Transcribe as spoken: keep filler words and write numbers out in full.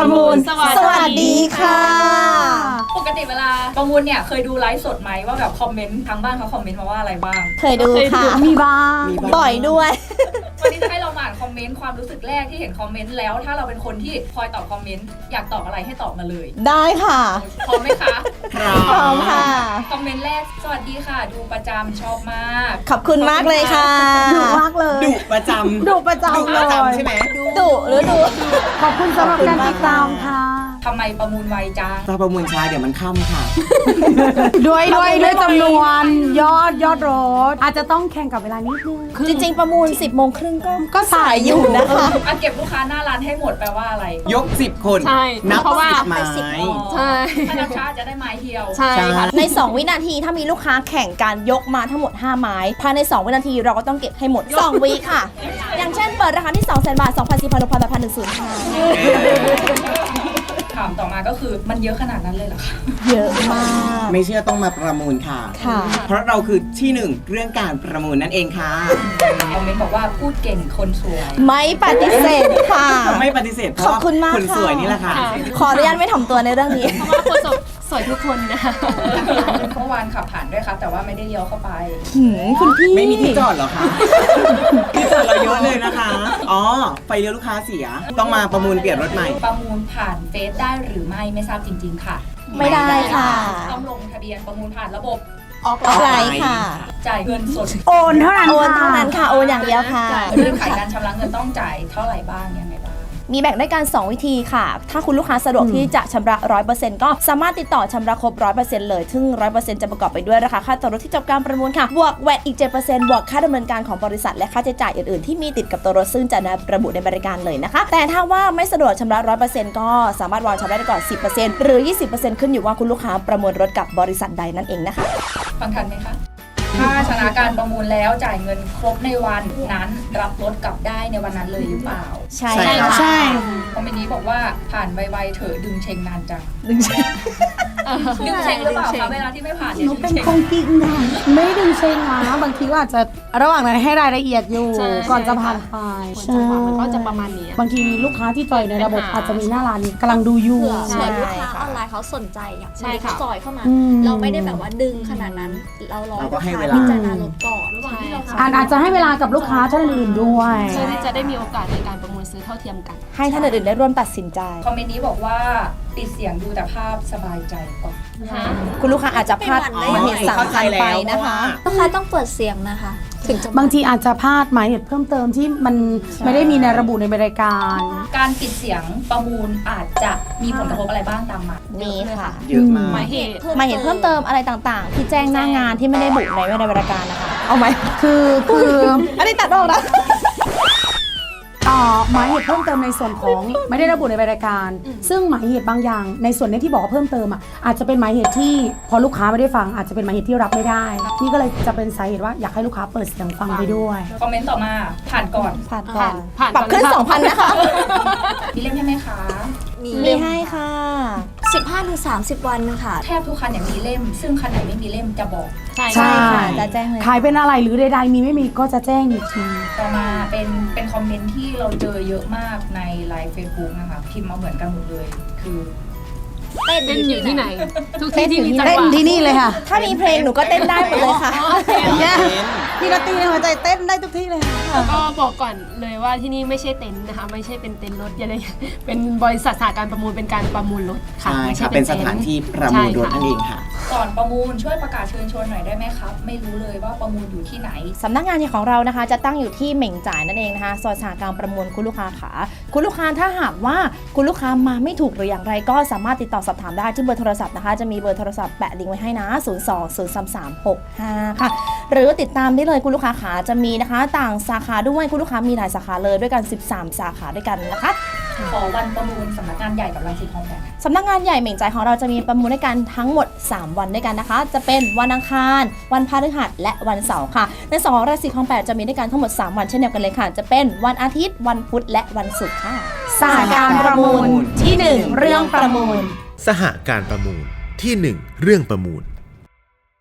ประมูลสวัสดีค่ะปกติเวลาประมูลเนี่ยเคยดูไลฟ์สดไหมว่าแบบคอมเมนต์ทางบ้านเขาคอมเมนต์มาว่าอะไรบ้างเคยดูค่ะมีบ้างบ่อยด้วยวันนี้จะให้เราอ่านคอมเมนต์ความรู้สึกแรกที่เห็นคอมเมนต์แล้วถ้าเราเป็นคนที่คอยตอบคอมเมนต์อยากตอบอะไรให้ตอบมาเลยได้ค่ะพร้อมไหมคะพร้อมค่ะคอมเมนต์แรกสวัสดีค่ะดูประจำชอบมากขอบคุณมากเลยค่ะดุมากเลยดุประจำดุประจำเลยใช่ไหมดุหรือดุขอบคุณสำหรับการติดตามค่ะทำไมประมูลไวจังถ้าประมูลช้าเดี๋ยวมันค่ำค่ะด้วยด้วยด้วยจำนวนยอดยอดรถอาจจะต้องแข่งกับเวลานิดนึงจริงๆประมูลสิบโมงครึ่งก็ก็สายอยู่นะคะอ่ะเก็บลูกค้าหน้าร้านให้หมดแปลว่าอะไรยกสิบคนนับสิบไม้ใช่ถ้านับช้าจะได้ไม้เดียวใช่ค่ะในสองวินาทีถ้ามีลูกค้าแข่งการยกมาทั้งหมดห้าไม้ภายในสองวินาทีเราก็ต้องเก็บให้หมดสองวิค่ะอย่างเช่นเปิดราคาที่ สองแสน บาท สองพัน สี่พัน หกพัน แปดพัน หนึ่งศูนย์ค่ะถามต่อมาก็คือมันเยอะขนาดนั้นเลยเหรอคะเยอะมากไม่เชื่อต้องมาประมูลค่ะค่ะเพราะเราคือที่หนึ่งเรื่องการประมูลนั่นเองค่ะคอมเมนต์บอกว่าพูดเก่งคนสวยไม่ปฏิเสธค่ะไม่ปฏิเสธเพราะว่าคนสวยนี่แหละค่ะขออนุญาตไม่ถ่อมตัวในเรื่องนี้เพราะว่าคนสวยทุกคนนะคะเมื่อวานขับผ่านด้วยครับแต่ว่าไม่ได้เลี้ยวเข้าไปคุณพี่ไม่มีที่จอดเหรอคะที่จอดเราเยอะเลยนะคะอ๋อไฟเลี้ยวลูกค้าเสียต้องมาประมูลเปลี่ยนรถใหม่ประมูลผ่านเฟซได้หรือไม่ไม่ทราบจริงๆค่ะไม่ได้ค่ะต้องลงทะเบียนประมูลผ่านระบบออกไลน์ค่ะจ่ายเงินสดโอนเท่านั้นโอนเท่านั้นค่ะโอนอย่างเดียวค่ะเรื่องขายการชำระเงินต้องจ่ายเท่าไหร่บ้างยังไงบ้างมีแบ่งได้กันสองวิธีค่ะถ้าคุณลูกค้าสะดวกที่จะชำระ ร้อยเปอร์เซ็นต์ ก็สามารถติดต่อชำระครบ ร้อยเปอร์เซ็นต์ เลยซึ่ง ร้อยเปอร์เซ็นต์ จะประกอบไปด้วยราคาค่าตัวรถที่จบการประมูลค่ะบวกแวตอีก เจ็ดเปอร์เซ็นต์ บวกค่าดำเนินการของบริษัทและค่าใช้จ่ายอื่นๆที่มีติดกับตัวรถซึ่งจะระบุในบริการเลยนะคะแต่ถ้าว่าไม่สะดวกชำระ ร้อยเปอร์เซ็นต์ ก็สามารถวางชำระได้ก่อน สิบเปอร์เซ็นต์ หรือ ยี่สิบเปอร์เซ็นต์ ขึ้นอยู่ว่าคุณลูกค้าประมูลรถกับบริษัทใดนั่นเองนะคะฟังทันไหมคะถ้าชนะการประมูลแล้วจ่ายเงินครบในวันนั้นรับรถกลับได้ในวันนั้นเลยหรือเปล่าใช่ใช่คอมเมนต์นี้บอกว่าผ่านไวๆเถอะดึงเชงนานจังดึงเชงดึงเชงหรือเปล่าคะเวลาที่ไม่ผ่านเนี่ยเป็นคงจริงนะไม่ดึงเชงนะบางทีก็อาจจะระหว่างนั้นให้รายละเอียดอยู่ก่อนจะผ่านไปจังหวะมันก็จะประมาณนี้บางทีมีลูกค้าที่จอยในระบบอาจจะมีหน้าร้านกำลังดูอยู่ใช่ลูกค้าออนไลน์เขาสนใจอ่ะใช่ค่ะจอยเข้ามาเราไม่ได้แบบว่าดึงขนาดนั้นเรารอลูกค้าพิจารณารถก่อนระหว่างที่เราอาจจะให้เวลากับลูกค้าท่านอื่นด้วยเพื่อที่จะได้มีโอกาสในการประมูลซื้อเท่าเทียมกันให้ท่านอื่นได้ร่วมตัดสินใจคอมเมนต์นี้บอกว่าปิดเสียงดูแต่ภาพสบายใจกว่าคุณลูกค้าอาจจะพลาดเหตุสำคัญไปนะคะลูกค้าต้องเปิดเสียงนะคะถึงบางทีอาจจะพลาดหมายเหตุเพิ่มเติมที่มันไม่ได้มีในระบุในบริการการปิดเสียงประมูลอาจจะมีผลกระทบอะไรบ้างตามมามีค่ะเยอะมากหมายเหตุหมายเหตุเพิ่มเติมอะไรต่างๆที่แจ้งหน้างานที่ไม่ได้บุในในบริการนะคะเอาไหมคือคืออันนี้ตัดออกนะอ๋อหมายเหตุเพิ่มเติมในส่วนของไม่ได้ระบุในรายการซึ่งหมายเหตุบางอย่างในส่วนนี้ที่บอกว่าเพิ่มเติมอ่ะอาจจะเป็นหมายเหตุที่พอลูกค้าไม่ได้ฟังอาจจะเป็นหมายเหตุที่รับไม่ได้นี่ก็เลยจะเป็นสาเหตุว่าอยากให้ลูกค้าเปิดเสียงฟังไปด้วยคอมเมนต์ต่อมาผ่านก่อนผ่านก่อนปรับขึ้น สองพัน นะคะมีเล่มให้ไหมคะมีให้ค่ะสิบห้าถึงสามสิบ วันค่ะแทบทุกคันเนี่ยมีเล่มซึ่งคันไหนไม่มีเล่มจะบอกใช่ค่ะจะแจ้งเลยขายเป็นอะไรหรือใดๆมีไม่มีก็จะแจ้งอีกทีต่อมาเป็นเป็นคอมเมนต์ที่เราเจอเยอะมากในไลฟ์เฟซบุ๊กนะคะพิมพ์มาเหมือนกันหมดเลยคือเต้นอยู่ที่ไหนทุกที่ที่มีจังหวะเต้นที่นี่เลยค่ะถ้ามีเพลงหนูก็เต้นได้หมดเลยค่ะพี่นัตตี้ในหัวใจเต้นได้ทุกที่เลยก็บอกก่อนเลยว่าที่นี่ไม่ใช่เต็นท์นะคะไม่ใช่เป็นเต็นท์รถอะไรเป็นบริษัทสถานการประมูลเป็นการประมูลรถค่ะไม่ใช่เป็นสถานที่ประมูลรถนั่นเองค่ะก่อนประมูลช่วยประกาศเชิญชวนหน่อยได้ไหมครับไม่รู้เลยว่าประมูลอยู่ที่ไหนสำนักงานของเรานะคะจะตั้งอยู่ที่เหม่งจ่ายนั่นเองนะคะซอยสหการประมูลคุณลูกค้าขาคุณลูกค้าถ้าหากว่าคุณลูกค้ามาไม่ถูกหรืออย่างไรก็สามารถติดต่อสอบถามได้ที่เบอร์โทรศัพท์นะคะจะมีเบอร์โทรศัพท์แปะลิงก์ไว้ให้นะศูนย์ สอง ศูนย์ สาม สาม หก ห้าค่ะหรือติดตามได้เลยคุณลูกค้าขาจะมีนะคะต่างสาขาด้วยคุณลูกค้ามีหลายสาขาเลยด้วยกันสิบสามสาขาด้วยกันนะคะขอวันประมูลสำนักงานใหญ่กับรังสิตคลองแปดสำนักงานใหญ่เหม่งจ่ายของเราจะมีประมูลด้วยกันทั้งหมดสามวันด้วยกันนะคะจะเป็นวันอังคารวันพฤหัสและวันเสาร์ค่ะในสองรังสิตคลองแปดจะมีด้วยกันทั้งหมดสามวันเช่นเดียวกันเลยค่ะจะเป็นวันอาทิตย์วันพุธและวันศุกร์ค่ะสหการประมูลที่หนึ่งเรื่องประมูลสหการประมูลที่หนึ่งเรื่องประมูล